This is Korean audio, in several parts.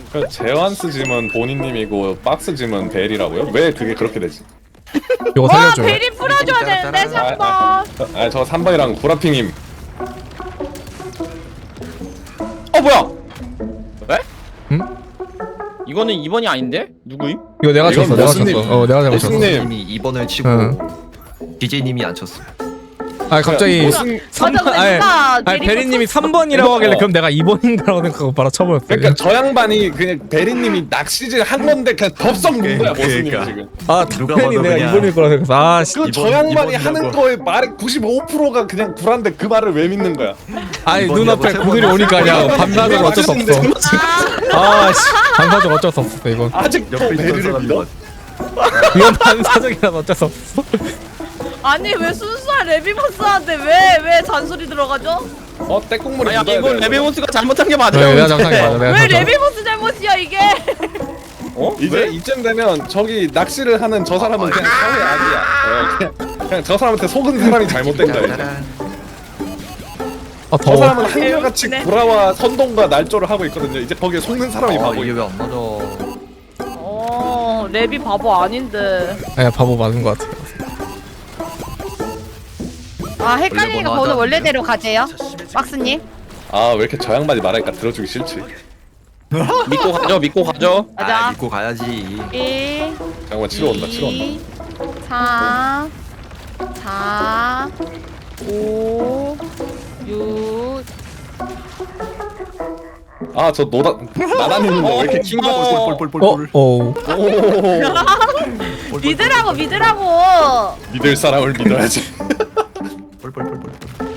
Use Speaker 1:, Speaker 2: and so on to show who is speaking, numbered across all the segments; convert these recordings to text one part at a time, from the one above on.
Speaker 1: 그 제완스 짐은 본인님이고 박스 짐은 벨이라고요? 왜 그게 그렇게 되지?
Speaker 2: 이거
Speaker 3: 와
Speaker 2: 살려줘.
Speaker 3: 베리 풀어줘야 되는데 3번.
Speaker 1: 저 3번이랑 구라핑님.
Speaker 4: 뭐야? 왜?
Speaker 2: 응?
Speaker 4: 이거는 2번이 아닌데? 누구임?
Speaker 2: 이거 내가
Speaker 1: 이건
Speaker 2: 쳤어. 내가
Speaker 1: 모스님.
Speaker 2: 쳤어. 내가 잘못 쳤어.
Speaker 1: 모스님.
Speaker 5: 님이 2번을 치고
Speaker 2: 응.
Speaker 5: DJ님이 안 쳤어.
Speaker 2: 아 갑자기
Speaker 1: 무슨
Speaker 2: 3번
Speaker 3: 맞아,
Speaker 2: 아니,
Speaker 3: 누가
Speaker 2: 아니
Speaker 3: 베리
Speaker 2: 베리님이 3번이라고 하길래 그럼 내가 2번인가라고 생각하고 바로 쳐버렸어요.
Speaker 1: 그러니까 저 양반이 그냥 베리님이 낚시질 한 건데 그냥 덥석 문 거야 모스님
Speaker 5: 그러니까.
Speaker 1: 지금.
Speaker 2: 아
Speaker 5: 누가
Speaker 2: 당연히
Speaker 5: 봐도
Speaker 2: 내가
Speaker 5: 그냥
Speaker 2: 2번일 거라 생각해서 아씨.
Speaker 1: 그 저
Speaker 5: 이번-
Speaker 1: 양반이
Speaker 5: 이번이라고.
Speaker 1: 하는 거에 말의 95%가 그냥 구란데 그 말을 왜 믿는 거야?
Speaker 2: 아니
Speaker 5: 이번이라고
Speaker 2: 눈앞에
Speaker 5: 세
Speaker 2: 그들이
Speaker 5: 번
Speaker 2: 오니까 그냥
Speaker 1: 이번이라고
Speaker 2: 반사적 어쩔 수 없어. 아씨 반사적 어쩔 수 없어 이건.
Speaker 1: 아직도
Speaker 5: 옆에 있던
Speaker 1: 베리를
Speaker 5: 사람이
Speaker 1: 믿어?
Speaker 5: 맞.
Speaker 2: 이건 반사적이라서 어쩔 수 없어.
Speaker 3: 아니 왜 순수한 레비버스한테 왜 잔소리 들어가죠?
Speaker 1: 떼국물이
Speaker 4: 아니
Speaker 1: 묻어야
Speaker 4: 이건
Speaker 1: 돼.
Speaker 4: 레베몬스가 잘못한 게 맞아요.
Speaker 2: 네, 내가 정상이 맞아. 내가
Speaker 3: 왜
Speaker 2: 정상.
Speaker 3: 레비버스 잘못이야 이게?
Speaker 1: 이제 이쯤 되면 저기 낚시를 하는 저 사람은 그냥 사회 악이야. 그냥 저 사람한테 속은 사람이 잘못된 거야. 이제.
Speaker 2: 아
Speaker 1: 저
Speaker 2: 더워.
Speaker 1: 사람은 한결같이
Speaker 3: 네.
Speaker 1: 구라와 선동과 날조를 하고 있거든요. 이제 거기에 속는 사람이
Speaker 5: 아
Speaker 1: 바보.
Speaker 5: 이게 왜 안 맞아?
Speaker 3: 레비 바보 아닌데.
Speaker 2: 아 바보 맞은 것 같아.
Speaker 6: 아 헷갈리니까
Speaker 5: 원래
Speaker 6: 번호
Speaker 5: 뭐
Speaker 6: 원래대로 가세요. 박스님.
Speaker 1: 아 왜 이렇게 저 양반이 말하니까 들어주기 싫지?
Speaker 4: 믿고 가죠. 믿고 가죠.
Speaker 6: 가자.
Speaker 5: 믿고 가야지.
Speaker 6: 1,
Speaker 1: 잠깐만 치러 온다. 치러 온다.
Speaker 6: 2, 3, 4, 5, 6.
Speaker 1: 아저 나다니는 거 왜 이렇게 킹 받고
Speaker 5: 폴폴폴폴폴.
Speaker 2: 오.
Speaker 3: 믿으라고.
Speaker 1: 믿을 사람을 믿어야지.
Speaker 5: 폴폴폴폴.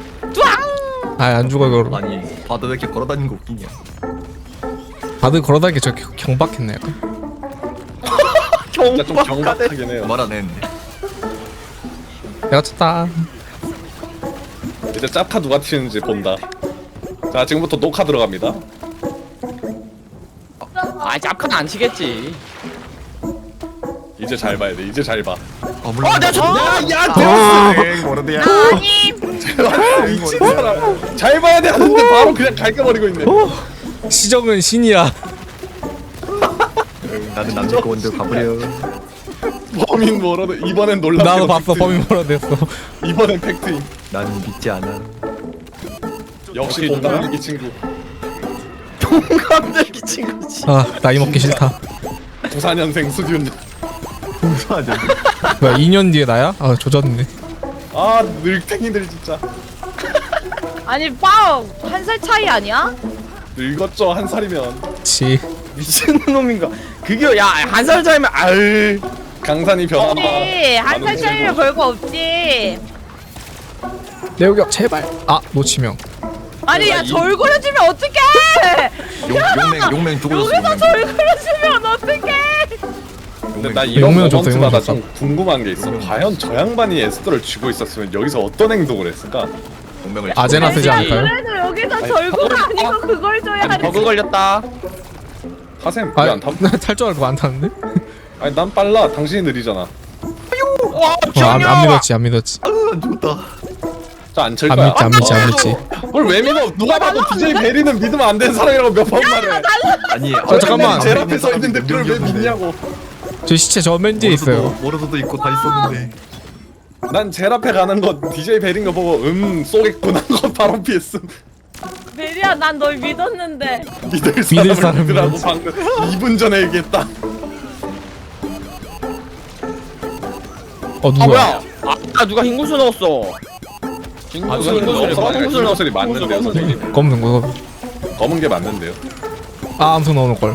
Speaker 2: 아안 죽어 이거.
Speaker 5: 아니 바드 왜 이렇게 걸어다니는 거 웃기냐?
Speaker 2: 다들 걸어다니기 저 경박했네 약간.
Speaker 1: 진짜 좀 경박하긴 해요.
Speaker 5: 말 안 했는데.
Speaker 2: 내가 쳤다.
Speaker 1: 이제 짭카 누가 튀는지 본다. 자 지금부터 녹화 들어갑니다.
Speaker 4: 짭칸 안 치겠지.
Speaker 1: 이제 잘 봐야 돼. 이제 잘 봐.
Speaker 5: 내가 쳤네.
Speaker 1: 야
Speaker 5: 모르드야.
Speaker 3: 아니
Speaker 1: 미친 사람. 잘 봐야 돼 하는데 바로 그냥 갈겨버리고 있네.
Speaker 2: 시정은 신이야.
Speaker 5: 나는 남자 원들 가버려.
Speaker 1: 범인 뭐라도 이번엔 놀랍게
Speaker 2: 나도 봤어 범인 뭐라 됐어.
Speaker 1: 이번엔 팩트임.
Speaker 5: 난 믿지 않아.
Speaker 1: 역시 동갑내기 친구.
Speaker 4: 깜짝이 친구지.
Speaker 2: 아 나이 먹기 싫다.
Speaker 1: 94년생 수준.
Speaker 5: 공수하자.
Speaker 2: 뭐야 2년 뒤에 나야? 아 조졌네.
Speaker 1: 아 늙탱이들 진짜.
Speaker 3: 아니 빵 한 살 차이 아니야?
Speaker 1: 늙었죠 한 살이면.
Speaker 2: 치.
Speaker 4: 미친 놈인가? 그게 한 살 차이면 아유.
Speaker 1: 강산이 변한다.
Speaker 3: 우리 한 살 차이면 별거 없지.
Speaker 2: 내우격 제발. 아 노치명.
Speaker 3: 아니 야 절그려주면 어떡해?
Speaker 5: 용맹 죽어졌어.
Speaker 3: 여기서 절그려주면 어떡해?
Speaker 1: 근데 나 이런
Speaker 2: 용맹은 줬어,
Speaker 1: 모먼트마다
Speaker 2: 용맹은
Speaker 1: 좀 궁금한 게 있어. 과연 저 양반이 에스더를 쥐고 있었으면 여기서 어떤 행동을 했을까?
Speaker 5: 용맹을
Speaker 2: 아제나 쓰지
Speaker 3: 아니,
Speaker 2: 않을까요?
Speaker 3: 그래도 여기서 절그가 아니고 그걸 줘야
Speaker 4: 아니 버그 걸렸다.
Speaker 1: 하셈
Speaker 2: 아,
Speaker 1: 왜안 타?
Speaker 2: 탈 줄 알고 안 탔는데?
Speaker 1: 아니 난 빨라. 당신이 느리잖아.
Speaker 2: 안 믿었지 안 믿었지.
Speaker 5: 안 죽었다.
Speaker 1: 저안칠
Speaker 2: 안
Speaker 1: 거야.
Speaker 2: 믿지 안 믿지 안 믿지.
Speaker 1: 그걸 왜 믿어? 누가 봐도 DJ 베리는 믿으면 안 되는 사람이라고 몇 번 말해.
Speaker 5: 아니
Speaker 2: 잠깐만.
Speaker 1: 제일 앞에 서 있는데 그걸 왜 믿냐고.
Speaker 2: 저 시체 저 맨 뒤에 있어요.
Speaker 5: 모르도도 있고 다 있었는데.
Speaker 1: 난 제일 앞에 가는 거 DJ 베린 거 보고 쏘겠구나 하고 바로 피했음.
Speaker 3: 베리야 난 널 믿었는데.
Speaker 1: 믿을
Speaker 2: 사람을
Speaker 1: 사람을 믿으라고
Speaker 2: 믿어야지.
Speaker 1: 방금 2분 전에 얘기했다.
Speaker 2: 어
Speaker 4: 아
Speaker 2: 누구야?
Speaker 4: 뭐야? 누가 흰구슬 넣었어.
Speaker 1: 흰구슬 흰구슬이 맞는데요 선생님.
Speaker 2: 검은 거.
Speaker 1: 검은 게 맞는데요.
Speaker 2: 아 암소 넣어놓을 걸.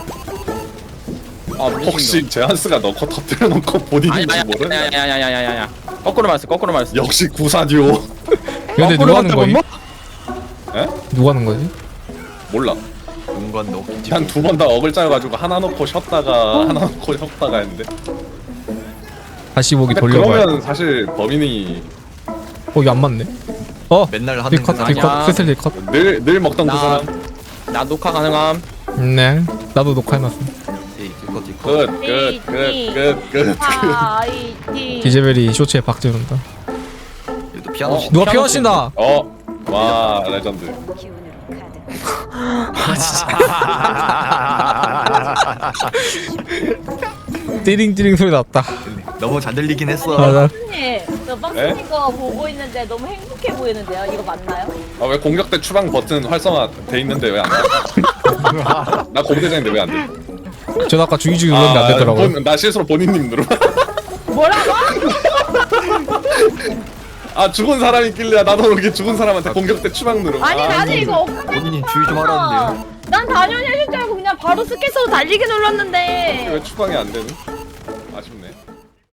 Speaker 1: 혹시 제한스가 넣고 터뜨려 놓고 본인인지 모르는?
Speaker 4: 야야야야야야야. 거꾸로 말했어. 거꾸로 말했어.
Speaker 1: 역시 구사듀오.
Speaker 2: 근데 누가 하는 거지?
Speaker 1: 에?
Speaker 2: 누가 하는 거지?
Speaker 1: 몰라.
Speaker 5: 공간 넣기.
Speaker 1: 한 두 번 다 억을 짜여가지고 하나 넣고 쉬었다가 하나 넣고 쉬었다가 했는데.
Speaker 2: 다시 보기
Speaker 1: 근데
Speaker 2: 돌려봐야.
Speaker 1: 그러면 사실 범인이
Speaker 2: 이게 안 맞네. 어
Speaker 5: 맨날 하는
Speaker 2: 딜컷
Speaker 5: 건
Speaker 2: 딜컷
Speaker 4: 아니야.
Speaker 2: 슬슬 딜컷.
Speaker 1: 늘 먹던 그
Speaker 4: 나-
Speaker 1: 사람.
Speaker 4: 나 녹화 가능함.
Speaker 2: 네. 나도 녹화해놨어.
Speaker 1: 끝.
Speaker 3: 파이팅.
Speaker 2: 디제벨이 쇼츠에 박지른다.
Speaker 5: 얘도 피아노 치.
Speaker 2: 누가 피아노 친다.
Speaker 1: 와 레전드.
Speaker 2: 띠링띠링 소리 났다.
Speaker 5: 너무 잘 들리긴 했어.
Speaker 2: 아, 나
Speaker 3: 박스님, 저 박스님 거 보고 있는데 너무 행복해 보이는데요? 이거 맞나요?
Speaker 1: 아 왜 공격대 추방 버튼 활성화 돼 있는데 왜 안 돼? 나 공대장인데 왜 안 돼?
Speaker 2: 전 아까 중이중이 눌렀는데 안 되더라고요.
Speaker 1: 나 실수로 본인님 누르.
Speaker 3: 뭐라고?
Speaker 1: 아 죽은 사람이 있길래 나도 모르게 죽은 사람한테 공격대 추방 누르.
Speaker 3: 아니 나는 이거 엇갈려.
Speaker 5: 본인이 주의 좀 하라는데요.
Speaker 3: 난 당연히 해줄 줄 알고 그냥 바로 스케서 달리기 눌렀는데.
Speaker 1: 왜 추방이 안 되는?